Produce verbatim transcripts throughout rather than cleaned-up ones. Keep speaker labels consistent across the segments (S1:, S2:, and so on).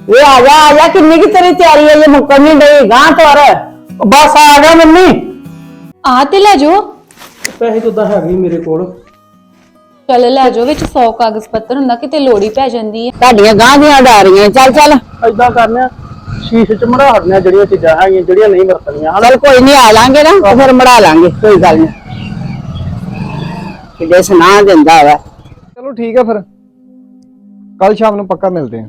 S1: ये आ जा आ जा किन्नी की तेरी तैयारी है ये मुक्कन नहीं डई गां तोर बस आ गया मम्मी
S2: आ ते ले जाओ
S3: ਪੈਸੇ ਤਾਂ ਹੈ ਨਹੀਂ ਮੇਰੇ ਕੋਲ
S2: चल ले जाओ विच सौ कागज पत्र हुंदा किते लोड़ी पै जांदी है
S1: ਤੁਹਾਡੀਆਂ ਗਾਂ ਦੀਆਂ ਡਾਰੀਆਂ चल चल
S3: ਐਦਾਂ ਕਰਨੇ ਸ਼ੀਸ਼ੇ ਚ ਮੜਾ ਹਟਨੇ ਜਿਹੜੀਆਂ ਚੀਜ਼ਾਂ ਹੈਗੀਆਂ ਜਿਹੜੀਆਂ ਨਹੀਂ ਵਰਤਣੀਆਂ
S1: चल कोई नहीं आ लांगे ना तो फिर मड़ा लांगे कोई गल नहीं किडे सुना दिंदा वा
S4: चलो ठीक है फिर कल शाम ਨੂੰ ਪੱਕਾ ਮਿਲਦੇ ਹਾਂ।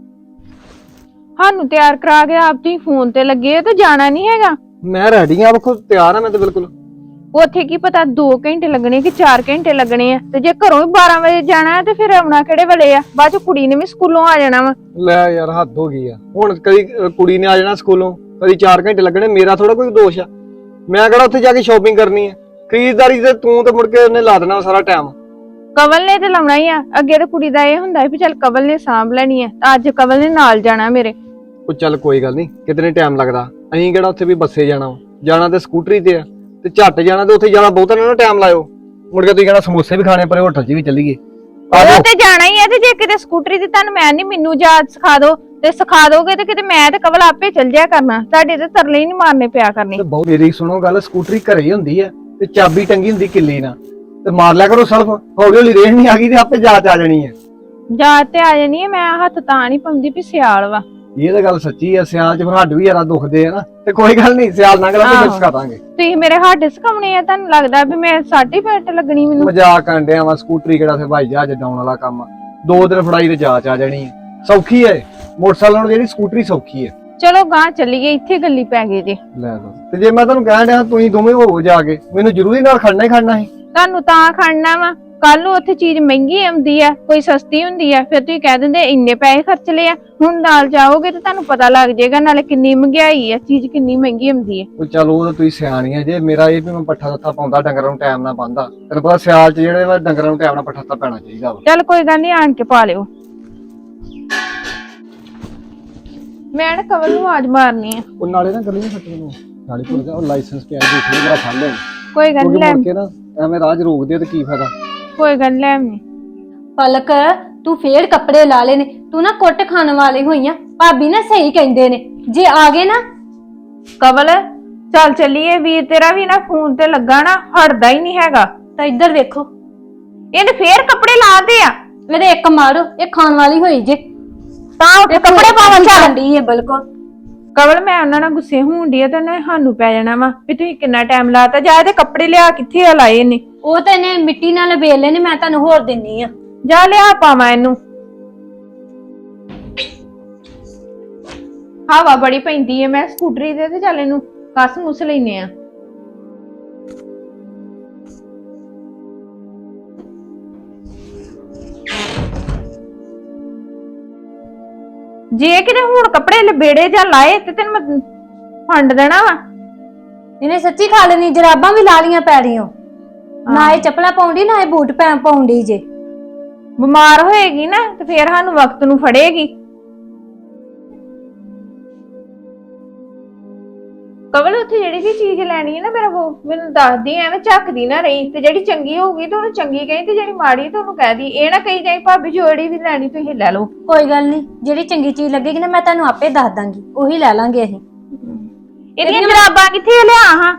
S5: ਸਾਨੂੰ ਤਿਆਰ ਕਰਾ ਕੇ ਆਪ ਤੁਸੀਂ ਫੋਨ ਤੇ ਲੱਗੇ ਤੇ ਜਾਣਾ ਨਹੀਂ ਹੈਗਾ।
S4: ਮੈਂ ਰੈਡੀ ਆ ਵੇਖੋ ਤਿਆਰ ਆ ਮੈਂ ਤੇ ਬਿਲਕੁਲ।
S5: ਉੱਥੇ ਕੀ ਪਤਾ ਦੋ ਘੰਟੇ ਲੱਗਣੇ ਕਿ ਚਾਰ ਘੰਟੇ ਲੱਗਣੇ ਆ ਤੇ ਜੇ ਘਰੋਂ ਹੀ ਬਾਰਾਂ ਵਜੇ ਜਾਣਾ ਤੇ ਫਿਰ ਆਉਣਾ ਕਿਹੜੇ ਵੇਲੇ ਆ ਬਾਅਦ ਚ ਕੁੜੀ ਨੇ ਵੀ ਸਕੂਲੋਂ ਆ ਜਾਣਾ ਵਾ।
S4: ਲੈ ਯਾਰ ਹੱਦ ਹੋ ਗਈ ਆ ਹੁਣ ਕਦੀ ਕੁੜੀ ਨੇ ਆ ਜਾਣਾ ਸਕੂਲੋਂ ਕਦੀ ਚਾਰ ਘੰਟੇ ਲੱਗਣੇ ਮੇਰਾ ਥੋੜਾ ਕੋਈ ਦੋਸ਼ ਆ ਮੈਂ ਕਿਹੜਾ ਉੱਥੇ ਜਾ ਕੇ ਸ਼ਾਪਿੰਗ ਕਰਨੀ ਆ ਖਰੀਦਦਾਰੀ ਤੇ ਤੂੰ ਤੇ ਮੁੜ ਕੇ ਉਹਨੇ ਲਾ ਦੇਣਾ ਸਾਰਾ ਟਾਈਮ।
S5: ਕਵਲ ਨੇ ਤੇ ਲਾਉਣਾ ਹੀ ਆ ਅੱਗੇ ਤੇ ਕੁੜੀ ਦਾ ਇਹ ਹੁੰਦਾ ਵੀ ਚੱਲ ਕਵਲ ਨੇ ਸਾਂਭ ਲੈਣੀ ਆ ਤਾਂ ਅੱਜ ਕਵਲ ਨੇ ਨਾਲ ਜਾਣਾ ਮੇਰੇ।
S4: ਉਹ ਚੱਲ ਕੋਈ ਗੱਲ ਨਹੀਂ ਕਿਤਨੇ ਟਾਈਮ ਲੱਗਦਾ ਅਸੀਂ ਕਿਹੜਾ ਉੱਥੇ ਵੀ ਬੱਸੇ ਜਾਣਾ ਜਾਣਾ ਤੇ ਸਕੂਟਰੀ ਤੇ ਆ ਤੇ ਝੱਟ ਜਾਣਾ ਤੇ ਉੱਥੇ ਜਾਣਾ ਬਹੁਤਾ ਨਾ ਟਾਈਮ ਲਾਇਓ ਮੁੜ ਕੇ ਤੁਸੀਂ ਕਹਿਣਾ ਸਮੋਸੇ ਵੀ ਖਾਣੇ ਪਰੇ ਹੋਟਲ 'ਚ ਵੀ ਚੱਲੀਏ।
S5: ਉਹ ਤੇ ਜਾਣਾ ਹੀ ਆ ਤੇ ਜੇ ਕਿਤੇ ਸਕੂਟਰੀ ਤੇ ਤੁਹਾਨੂੰ ਮੈਂ ਨਹੀਂ ਮੈਨੂੰ ਜਾਚ ਸਿਖਾ ਦੋ ਤੇ ਸਿਖਾ ਦੋਗੇ ਤੇ ਕਿਤੇ ਮੈਂ ਤੇ ਕਵਲ ਆਪੇ ਚੱਲ ਜਾਇਆ ਕਰਨਾ ਤੁਹਾਡੇ ਤੇ ਤਰਲੇ ਹੀ ਨਹੀਂ ਮਾਰਨੇ ਪਿਆ ਕਰਨੇ।
S4: ਤੇ ਬਹੁਤ ਮੇਰੀ ਸੁਣੋ ਗੱਲ ਸਕੂਟਰੀ ਘਰੇ ਹੀ ਹੁੰਦੀ ਆ ਤੇ ਚਾਬੀ ਟੰਗੀ ਹੁੰਦੀ ਕਿੱਲੀ ਨਾਲ ਤੇ ਮਾਰ ਲਿਆ ਕਰੋ ਸਲਫ ਹੌਲੀ ਹੌਲੀ ਰੇਹ ਨਹੀਂ ਆ ਗਈ ਤੇ ਆਪੇ ਜਾਚ ਆ ਜਾਣੀ ਹੈ।
S5: ਜਾਚ ਤੇ ਆ ਜਾਣੀ ਹੈ ਮੈਂ ਹੱਥ ਤਾਂ ਨਹੀਂ ਪਾਉਂਦੀ ਵੀ ਸਿਆਲ ਵਾ।
S4: ਇਹ ਤਾਂ ਗੱਲ ਸੱਚੀ ਆ ਸਿਆਲ ਚ ਫਿਰ ਹੱਡ ਵੀ ਯਾਰਾ ਦੁਖਦੇ ਆ ਨਾ ਤੇ ਕੋਈ ਗੱਲ ਨਹੀਂ ਸਿਆਲ ਲੰਘ ਲਾ ਤੇ ਸਿਖਾ ਦਾਂਗੇ।
S5: ਤੁਸੀਂ ਮੇਰੇ ਹੱਡ ਸਿਖਾਉਣੇ ਆ ਤੁਹਾਨੂੰ ਲੱਗਦਾ ਵੀ ਮੈਂ ਸਾਡੀ ਪੈਟ ਲੱਗਣੀ ਮੈਨੂੰ।
S4: ਮਜ਼ਾਕ ਕਰਨ ਡਿਆ ਵਾ ਸਕੂਟਰੀ ਕਿਹੜਾ ਫਿਰ ਭਾਈ ਜਹਾਜ਼ ਡਾਉਣ ਵਾਲਾ ਕੰਮ ਆ ਦੋ ਦਿਨ ਫੜਾਈ ਤੇ ਜਾਚ ਆ ਜਾਣੀ ਹੈ ਸੌਖੀ ਹੈ ਮੋਟਰਸਾਈਕਲ ਨਾਲੋਂ ਜਿਹੜੀ ਸਕੂਟਰੀ ਸੌਖੀ ਹੈ।
S5: ਚਲੋ ਗਾਂ ਚੱਲੀਏ ਇੱਥੇ ਗੱਲੀ ਪੈ ਗਈ ਜੇ।
S4: ਲੈ ਲਓ ਤੇ ਜੇ ਮੈਂ ਤੁਹਾਨੂੰ ਕਹਿਣ ਡਿਆ ਤੁਸੀਂ ਦੋਵੇਂ ਹੋਵੋ ਜਾ ਕੇ ਮੈਨੂੰ ਜ਼ਰੂਰੀ ਨਾਲ ਖੜਨਾ ਹੀ ਖੜਨਾ ਸੀ।
S5: ਤੁਹਾਨੂੰ ਤਾਂ ਖੜਨਾ ਵਾ ਕੱਲ ਨੂੰ ਉੱਥੇ ਚੀਜ਼ ਮਹਿੰਗੀ ਆਉਂਦੀ ਆ ਕੋਈ ਸਸਤੀ ਹੁੰਦੀ ਆ ਫਿਰ ਤੁਸੀਂ ਕਹਿ ਦਿੰਦੇ ਇੰਨੇ ਪੈਸੇ ਖਰਚ ਲਏ ਆ ਹੁਣ ਨਾਲ ਜਾਓਗੇ ਤੇ ਤੁਹਾਨੂੰ ਪਤਾ ਲੱਗ ਜਾਏਗਾ ਨਾਲੇ ਕਿੰਨੀ ਮਹਿੰਗਾਈ ਆ ਚੀਜ਼ ਕਿੰਨੀ ਮਹਿੰਗੀ ਆਉਂਦੀ ਆ।
S4: ਉਹ ਚਲੋ ਉਹ ਤਾਂ ਤੁਸੀਂ ਸਿਆਣੀਆਂ ਜੇ ਮੇਰਾ ਇਹ ਵੀ ਮੈਂ ਪੱਠਾ ਦਿੱਤਾ ਪਾਉਂਦਾ ਡੰਗਰਾਂ ਨੂੰ ਟਾਈਮ ਨਾਲ ਪਾਉਂਦਾ ਤੈਨੂੰ ਪਤਾ ਸਿਆਲ ਚ ਜਿਹੜੇ ਵਾ ਡੰਗਰਾਂ ਨੂੰ ਟਾਈਮ ਨਾਲ ਪੱਠਾ ਦਿੱਤਾ ਪੈਣਾ ਚਾਹੀਦਾ ਵਾ।
S5: ਚੱਲ ਕੋਈ ਗੱਲ ਨਹੀਂ ਆਣ ਕੇ ਪਾ ਲਿਓ। ਮੈਂ ਨਾ ਕਵਲ ਨੂੰ ਆਵਾਜ਼ ਮਾਰਨੀ ਆ।
S4: ਉਹ ਨਾਲੇ ਨਾ ਗਲੀ ਨੂੰ ਫੱਟੇ ਨੂੰ ਨਾਲੇ ਭੁੱਲ ਜਾ ਉਹ ਲਾਇਸੈਂਸ ਪਿਆ ਦੂਸਰੇ ਮੇਰਾ ਫੜ ਲੈ
S5: ਕੋਈ ਗੱਲ ਨਹੀਂ ਲੈ
S4: ਕੇ ਨਾ ਐਵੇਂ ਰਾਜ ਰੋਕਦੇ ਤੇ ਕੀ ਫਾਇਦਾ।
S5: ਕੋਈ ਗੱਲ ਲੈ ਆਵੀਂ।
S2: पलक तू फेर कपड़े ला ले ने तू ना कुट खाने वाले हुई आ भाभी ना सही कहंदे ने जे आ गए ना।
S5: ਕਵਲ ਚੱਲ ਚੱਲੀਏ ਵੀਰ ਤੇਰਾ ਵੀ ਨਾ ਫੋਨ ਤੇ ਲੱਗਾ ਨਾ ਹਟਦਾ ਹੀ ਨਹੀਂ ਹੈਗਾ।
S2: तो इधर देखो
S5: ਇਹਨੇ ਫੇਰ ਕੱਪੜੇ ਲਾਦੇ ਆ
S2: मेरे एक मारो ये खान वाली हुई जे
S5: ਤਾਂ ਉੱਠ ਕੱਪੜੇ ਪਾਵਣ ਚੱਲ।
S2: दी है बिल्कुल
S5: ਕਵਲ ਮੈਂ ਉਹਨਾਂ ਨਾਲ ਗੁੱਸੇ ਹੋਣ ਡਈ ਆ ਤੇ ਉਹਨੇ ਸਾਨੂੰ ਪੈ ਜਾਣਾ ਵਾ ਵੀ ਤੁਸੀਂ ਕਿੰਨਾ ਟਾਈਮ ਲਾਤਾ ਜਾ ਇਹਦੇ ਕੱਪੜੇ ਲਿਆ ਕਿੱਥੇ ਆ ਲਾਏ ਨੇ।
S2: ਉਹ ਤੇ ਨੇ ਮਿੱਟੀ ਨਾਲ ਲਬੇੜ ਲੈਣੇ ਮੈਂ ਤੁਹਾਨੂੰ ਹੋਰ ਦਿੰਨੀ ਆ
S5: ਜਾ ਲਿਆ ਪਾਵਾਂ ਇਹਨੂੰ। ਹਵਾ ਬੜੀ ਪੈਂਦੀ ਹੈ ਮੈਂ ਸਕੂਟਰੀ ਤੇ ਤੇ ਚੱਲ ਇਹਨੂੰ ਕੱਸ ਮੁਸ ਲੈਨੇ ਆ। ਜੇ ਕਿਤੇ ਹੁਣ ਕੱਪੜੇ ਲਬੇੜੇ ਜਾਂ ਲਾਏ ਤੇ ਤੈਨੂੰ ਮੈਂ ਫੰਡ ਦੇਣਾ ਵਾ।
S2: ਇਹਨੇ ਸੱਚੀ ਖਾ ਲੈਣੀ ਜਰਾਬਾਂ ਵੀ ਲਾ ਲੀਆਂ ਪੈਰੀਆਂ ਨਾ ਇਹ ਚੱਪਲਾਂ ਪਾਉਂਦੀ ਨਾ ਇਹ ਬੂਟ ਪੈ ਪਾਉਂਦੀ ਜੇ।
S5: ਬਿਮਾਰ ਹੋਏਗੀ ਨਾ ਤੇ ਫੇਰ ਸਾਨੂੰ ਵਕਤ ਨੂੰ ਫੜੇਗੀ। ਕਵਲ ਉੱਥੇ ਜਿਹੜੀ ਵੀ ਚੀਜ਼ ਲੈਣੀ ਹੈ ਨਾ ਮੇਰਾ ਉਹ ਮੈਨੂੰ ਦੱਸਦੀ ਐਵੇਂ ਝੱਕਦੀ ਨਾ ਰਹੀ ਤੇ ਜਿਹੜੀ ਚੰਗੀ ਹੋਊਗੀ ਤੇ ਉਹਨੂੰ ਚੰਗੀ ਕਹੀ ਤੇ ਜਿਹੜੀ ਮਾੜੀ ਤੇ ਉਹਨੂੰ ਕਹਿ ਦੀ ਇਹ ਨਾ ਕਹੀ ਜਾਈ ਭਾਬੀ ਜਿਹੜੀ ਵੀ ਲੈਣੀ ਤੁਸੀਂ ਲੈ ਲਓ।
S2: ਕੋਈ ਗੱਲ ਨਹੀਂ ਜਿਹੜੀ ਚੰਗੀ ਚੀਜ਼ ਲੱਗੇਗੀ ਨਾ ਮੈਂ ਤੁਹਾਨੂੰ ਆਪੇ ਦੱਸ ਦਾਂਗੀ ਉਹੀ ਲੈ ਲਾਂਗੇ ਅਸੀਂ।
S5: ਇਹਦੀਆਂ ਜਰਾਬਾਂ ਕਿੱਥੇ ਲਿਆ ਹਾਂ।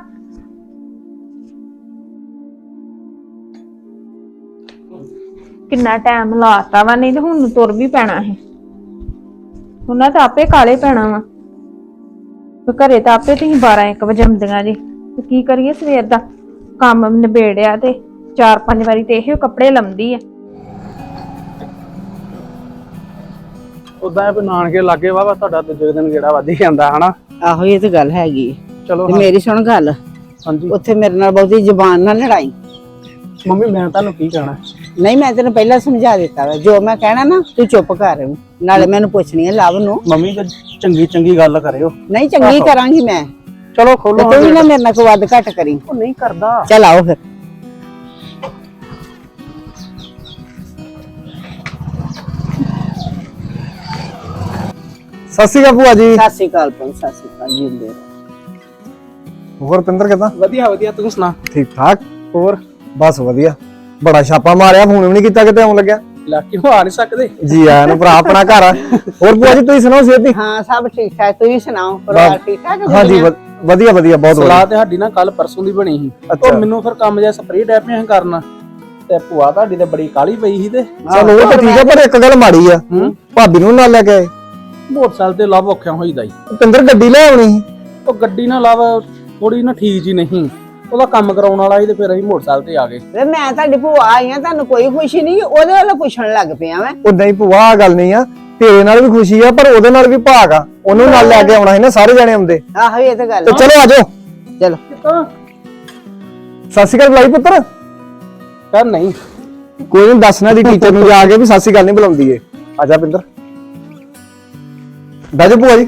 S5: ਕਿੰਨਾ ਟਾਈਮ ਲਾਤਾ ਵਾ ਨਹੀਂ ਤੇ ਹੁਣ ਤੁਰ ਵੀ ਪੈਣਾ ਹੈ ਉਹਨਾਂ ਤਾਂ ਆਪੇ ਕਾਲੇ ਪੈਣਾ ਵਾ ਘਰੇ ਤਾਂ ਆਪੇ ਤੁਸੀਂ ਬਾਰਾਂ ਇੱਕ ਵਜੇ ਆਉਂਦੀਆਂ ਜੀ ਤੇ ਕੀ ਕਰੀਏ ਸਵੇਰ ਦਾ ਕੰਮ ਨਿਬੇੜਿਆ ਤੇ ਚਾਰ ਪੰਜ ਵਾਰੀ ਤੇ ਇਹੋ ਕੱਪੜੇ ਲੰਮਦੀ ਆ।
S3: ਉਦਾਂ ਇਹ ਨਾਨਕੇ ਲਾਗੇ ਵਾ ਤੁਹਾਡਾ ਦੂਜੇ ਦਿਨ ਗੇੜਾ ਵੱਧ ਹੀ ਜਾਂਦਾ ਹਨਾ।
S1: ਆਹੋ ਇਹ ਤੇ ਗੱਲ ਹੈਗੀ
S3: ਚਲੋ
S1: ਤੇ ਮੇਰੀ ਸੁਣ ਗੱਲ
S3: ਹਾਂਜੀ
S1: ਉੱਥੇ ਮੇਰੇ ਨਾਲ ਬਹੁਤੀ ਜ਼ਬਾਨ ਨਾਲ ਲੜਾਈ।
S3: ਮੰਮੀ ਮੈਂ ਤੁਹਾਨੂੰ ਕੀ ਕਹਿਣਾ
S1: ਨਹੀਂ ਮੈਂ ਤੈਨੂੰ ਪਹਿਲਾਂ ਸਮਝਾ ਦਿੱਤਾ ਵਾ ਜੋ ਮੈਂ ਕਹਿਣਾ ਨਾ ਤੂੰ ਚੁੱਪ ਕਰ ਨਾਲੇ ਮੈਨੂੰ ਪੁੱਛਣੀ ਹੈ ਲਵ ਨੂੰ।
S3: ਮੰਮੀ ਜੇ ਚੰਗੀ ਚੰਗੀ ਗੱਲ ਕਰਿਓ।
S1: ਨਹੀਂ ਚੰਗੀ ਕਰਾਂਗੀ ਮੈਂ।
S3: ਚਲੋ ਖੋਲੋ
S1: ਤੂੰ ਵੀ ਨਾ ਮੇਰੇ ਨਾਲ ਕੋਈ ਵੱਧ ਘੱਟ ਕਰੀ।
S3: ਉਹ ਨਹੀਂ ਕਰਦਾ।
S1: ਚੱਲ ਆਓ ਫਿਰ।
S4: ਸਤਿ ਸ਼੍ਰੀ ਅਕਾਲ ਭੂਆ ਜੀ।
S1: ਸਤਿ ਸ਼੍ਰੀ ਅਕਾਲ ਪੁੱਤ ਸਤਿ ਸ਼੍ਰੀ ਅਕਾਲ ਜਿੰਦੇ
S4: ਹੋਰ ਪਿੰਦਰ ਕਿਦਾਂ?
S3: ਵਧੀਆ ਵਧੀਆ ਤੂੰ ਸੁਣਾ।
S4: ਠੀਕ ਠਾਕ
S3: ਹੋਰ
S4: ਬਸ ਵਧੀਆ ਬੜਾ ਛਾਪਾ ਮਾਰਿਆ ਫੋਨ ਵੀ ਨਹੀਂ ਕੀਤਾ ਕਿਤੇ ਆਉਣ ਲੱਗਿਆ।
S3: ਲੈ ਕਿਉਂ ਆ ਨਹੀਂ ਸਕਦੇ?
S4: ਜੀ ਆਇਆਂ ਨੂੰ ਭਰਾ, ਆਪਣਾ ਘਰ ਆ। ਹੋਰ ਭੂਆ ਜੀ ਤੁਸੀਂ ਸੁਣਾਓ ਸਿਹਤ ਦੀ?
S1: ਹਾਂ ਸਭ ਠੀਕ ਠਾਕ, ਤੁਸੀਂ ਸੁਣਾਓ ਪਰਿਵਾਰ ਠੀਕ ਠਾਕ ਹੈ?
S4: ਹਾਂਜੀ ਵ- ਵਧੀਆ ਵਧੀਆ, ਬਹੁਤ ਵਧੀਆ।
S3: ਸਲਾਹ ਤੇ ਸਾਡੀ ਨਾ ਕੱਲ ਪਰਸੋਂ ਦੀ ਬਣੀ ਸੀ।
S4: ਅੱਛਾ।
S3: ਉਹ ਮੈਨੂੰ ਫਿਰ ਕੰਮ ਜਿਹਾ ਸਪਰੇਅ ਡੈਪਿਆਂ ਕਰਨਾ ਤੇ ਭੂਆ ਤੁਹਾਡੀ ਤੇ ਬੜੀ ਕਾਲੀ ਪਈ ਸੀ ਤੇ
S4: ਚਲੋ ਉਹ ਤਾਂ ਠੀਕ ਆ, ਪਰ ਇੱਕ ਗੱਲ ਮਾੜੀ ਆ, ਭਾਬੀ ਨੂੰ ਨਾਲ ਲੈ ਕੇ ਆਏ।
S3: ਮੋਟਰਸਾਈਕਲ ਤੇ ਲੱਭ ਔਖਿਆ ਹੋਈਦਾ ਈ।
S4: ਪਿੰਦਰ ਗੱਡੀ ਲੈ ਆਉਣੀ ਸੀ।
S3: ਉਹ ਗੱਡੀ ਨਾਲ ਲੱਭ ਥੋੜੀ ਨਾ ਠੀਕ ਜੀ ਨਹੀਂ, ਉਹਦਾ ਕੰਮ ਕਰਾਉਣ ਵਾਲਾ ਸੀ ਤੇ ਫਿਰ ਅਸੀਂ ਮੋਟਰਸਾਈਕਲ ਤੇ ਆ ਗਏ।
S1: ਵੇ ਮੈਂ ਤੁਹਾਡੀ ਭੂਆ ਆਈ ਆ, ਤੁਹਾਨੂੰ ਕੋਈ ਖੁਸ਼ੀ ਨਹੀਂ? ਉਹਦੇ ਵੱਲੋਂ ਪੁੱਛਣ ਲੱਗ ਪਿਆ ਮੈਂ।
S4: ਉਦਾਂ ਹੀ ਭੂਆ ਆਹ ਗੱਲ ਨਹੀਂ ਆ, ਤੇਰੇ ਨਾਲ ਵੀ ਖੁਸ਼ੀ ਆ ਪਰ ਉਹਦੇ ਨਾਲ ਵੀ ਭਾਗ ਆ, ਉਹਨੂੰ ਨਾਲ ਲੈ ਕੇ ਆਉਣਾ ਸੀ ਨਾ, ਸਾਰੇ ਜਣੇ ਆਉਂਦੇ।
S1: ਆਹੋ ਇਹ ਤਾਂ ਗੱਲ
S4: ਤੇ ਚਲੋ ਆਜੋ।
S1: ਚਲੋ
S4: ਸਤਿ ਸ਼੍ਰੀ ਅਕਾਲ ਬੁਲਾਈ ਪੁੱਤਰ।
S3: ਕਰ ਨਹੀਂ
S4: ਕੋਈ ਨਹੀਂ, ਦੱਸਣਾ ਦੀ ਟੀਚਰ ਨੂੰ ਜਾ ਕੇ ਵੀ ਸਤਿ ਸ਼੍ਰੀ ਅਕਾਲ ਨਹੀਂ ਬੁਲਾਉਂਦੀ ਏ। ਆਜਾ ਪਿੰਦਰ, ਬੈਜੋ ਭੂਆ ਜੀ।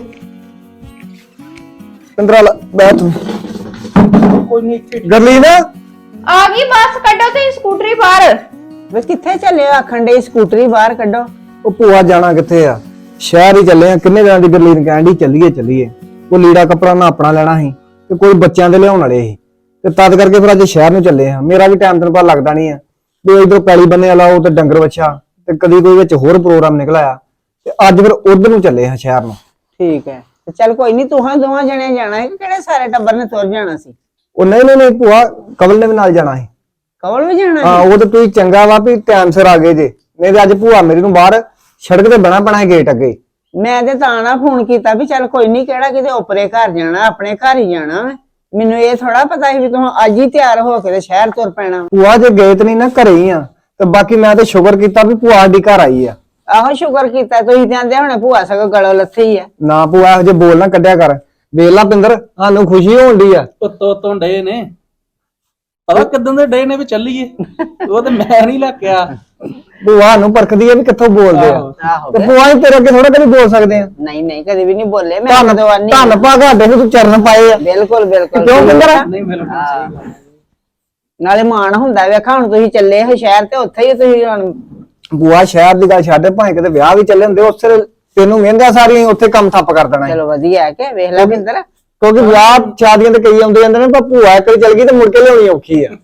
S4: ਪਿੰਦਰਾ ਬੈਠ ਤੂੰ।
S3: ਕੋਈ ਨਹੀਂ ਇੱਥੇ
S4: ਗਰਲੀਨ
S5: ਆ ਗਈ ਬੱਸ, ਕੱਢੋ ਤੇ ਸਕੂਟਰੀ ਬਾਹਰ।
S1: ਵੇ ਕਿੱਥੇ ਚੱਲੇ ਹੋ? ਆਖਣ ਦੇ ਸਕੂਟਰੀ ਬਾਹਰ ਕੱਢੋ।
S4: ਉਹ ਭੂਆ ਜਾਣਾ ਕਿੱਥੇ ਆ, ਸ਼ਹਿਰ ਹੀ ਚੱਲੇ ਆ। ਕਿੰਨੇ ਦਿਨਾਂ ਦੀ ਗਰਲੀਨ ਕਹਿਣ ਦੀ ਚੱਲੀਏ ਚੱਲੀਏ। ਉਹ ਲੀੜਾ ਕੱਪੜਾ ਨਾ ਆਪਣਾ ਲੈਣਾ ਸੀ ਤੇ ਕੋਈ ਬੱਚਿਆਂ ਦੇ ਲਿਆਉਣ ਵਾਲੇ ਸੀ, ਤੇ ਤਦ ਕਰਕੇ ਫਿਰ ਅੱਜ ਸ਼ਹਿਰ ਨੂੰ ਚੱਲੇ ਆ। ਮੇਰਾ ਵੀ ਟਾਈਮ ਤੈਨੂੰ ਪਤਾ ਲੱਗਦਾ ਨਹੀਂ ਆ, ਵੀ ਇਧਰੋਂ ਪੈਲੀ ਬੰਨੇ ਵਾਲਾ ਉਹ ਤੇ ਡੰਗਰ ਵੱਛਾ ਤੇ ਕਦੀ ਕੋਈ ਵਿੱਚ ਹੋਰ ਪ੍ਰੋਗਰਾਮ ਨਿਕਲ ਆਇਆ, ਤੇ ਅੱਜ ਫਿਰ ਉਧਰ ਨੂੰ ਚੱਲੇ ਆ ਸ਼ਹਿਰ ਨੂੰ।
S1: ਠੀਕ ਹੈ ਤੇ ਚੱਲ ਕੋਈ ਨਹੀਂ, ਤੂੰ ਹਾਂ ਦੋਵਾਂ ਜਣੇ ਜਾਣਾ ਹੈ ਕਿ ਕਿਹੜੇ ਸਾਰੇ ਟੱਬਰ ਨੇ ਤੁਰ ਜਾਣਾ ਸੀ?
S4: ਉਹ ਨਹੀਂ ਨਹੀਂ ਨਹੀਂ ਭੂਆ, ਕਵਲ ਨੇ ਵੀ ਨਾਲ ਜਾਣਾ ਸੀ।
S1: ਕਵਲ ਵੀ ਜਾਣਾ
S4: ਹਾਂ ਉਹ ਤੇ ਤੁਸੀਂ ਚੰਗਾ ਵਾ ਵੀ ਟਾਈਮ ਸਿਰ ਆ ਗਏ ਜੇ, ਨਹੀਂ ਤੇ ਅੱਜ ਭੂਆ ਮੇਰੀ ਨੂੰ ਬਾਹਰ ਸੜਕ ਤੇ ਬਣਾ ਬਣਾ ਗੇਟ ਅੱਗੇ।
S1: ਮੈਂ ਤੇ ਤਾਂ ਨਾ ਫੋਨ ਕੀਤਾ ਵੀ ਚੱਲ ਕੋਈ ਨਹੀਂ, ਕਿਹੜਾ ਕਿਤੇ ਓਪਰੇ ਘਰ ਜਾਣਾ, ਆਪਣੇ ਘਰ ਹੀ ਜਾਣਾ ਵਾ। ਮੈਨੂੰ ਇਹ ਥੋੜਾ ਪਤਾ ਸੀ ਵੀ ਤੂੰ ਅੱਜ ਹੀ ਤਿਆਰ ਹੋ ਕੇ ਤੇ ਸ਼ਹਿਰ ਤੁਰ ਪੈਣਾ।
S4: ਭੂਆ ਜੇ ਗਏ ਤੇ ਨਹੀਂ ਨਾ, ਘਰੇ ਹੀ ਆ। ਤੇ ਬਾਕੀ ਮੈਂ ਤੇ ਸ਼ੁਕਰ ਕੀਤਾ ਵੀ ਭੂਆ ਸਾਡੀ ਘਰ ਆਈ ਆ।
S1: ਆਹੋ ਸ਼ੁਕਰ ਕੀਤਾ, ਤੁਸੀਂ ਜਾਂਦੇ ਹੁਣੇ ਭੂਆ ਸਗੋਂ ਗਲੋਂ ਲੱਥੀ ਆ।
S4: ਨਾ ਭੂਆ ਇਹੋ ਜੇ ਬੋਲ ਨਾ ਕੱਢਿਆ ਕਰ। ਵੇਖ ਲਾ ਪਿੰਦਰ, ਸਾਨੂੰ ਖੁਸ਼ੀ ਹੋਣ ਦੀ ਆ।
S3: ਉੱਤੋਂ ਉੱਤੋਂ ਡੇ ਨੇ, ਪਤਾ ਕਿਦਾਂ ਦੇ ਡੇ ਨੇ ਵੀ ਚੱਲੀਏ। ਉਹ ਤੇ ਮੈਂ ਨਹੀਂ ਲੱਕਿਆ।
S4: ਭੂਆ ਨੂੰ ਪਰਖਦੀ ਆ ਵੀ ਕਿੱਥੋਂ ਬੋਲਦੇ ਆ।
S1: ਆਹੋ
S4: ਤੇ ਭੂਆ ਹੀ ਤੇਰੇ ਅੱਗੇ ਥੋੜਾ ਕਦੀ ਬੋਲ ਸਕਦੇ ਆ।
S1: ਨਹੀਂ ਨਹੀਂ ਕਦੇ ਵੀ ਨਹੀਂ ਬੋਲੇ, ਮੈਂ
S4: ਧੰਨ
S1: ਕਦੋਂ ਆਨੀ
S4: ਧੰਨ ਭਾਗਾ ਦੇ ਤੂੰ ਚਰਨ ਪਾਏ ਆ।
S1: ਬਿਲਕੁਲ ਬਿਲਕੁਲ।
S4: ਕਿਉਂ ਪਿੰਦਰ?
S3: ਨਹੀਂ ਬਿਲਕੁਲ ਸਹੀ ਗੱਲ।
S1: ਨਾਲੇ ਮਾਣ ਹੁੰਦਾ ਵੇਖਾ ਹੁਣ ਤੁਸੀਂ ਚੱਲੇ ਹੋ ਸ਼ਹਿਰ ਤੇ ਉੱਥੇ ਹੀ ਤੁਸੀਂ ਹੁਣ।
S4: ਭੂਆ ਸ਼ਹਿਰ ਦੀ ਗੱਲ ਛੱਡ, ਭਾਵੇਂ ਕਿਤੇ ਵਿਆਹ ਵੀ ਚੱਲੇ ਹੁੰਦੇ ਉਸੇ ਤੈਨੂੰ ਮਹਿੰਗਾ ਸਾਰੀ ਉੱਥੇ ਕੰਮ ਠੱਪ ਕਰ ਦੇਣਾ।
S1: ਚਲੋ ਵਧੀਆ ਹੈ ਕਿ ਵੇਖ ਲੈ ਬਿੰਦਰ।
S4: ਕਿਉਂਕਿ ਵਿਆਹ ਸ਼ਾਦੀਆਂ ਤੇ ਕਈ ਆਉਂਦੇ ਜਾਂਦੇ ਨੇ, ਪਰ ਭੂਆ ਇੱਕ ਵਾਰੀ ਚੱਲ ਗਈ ਤੇ ਮੁੜ ਕੇ ਲਿਆਉਣੀ ਔਖੀ ਆ।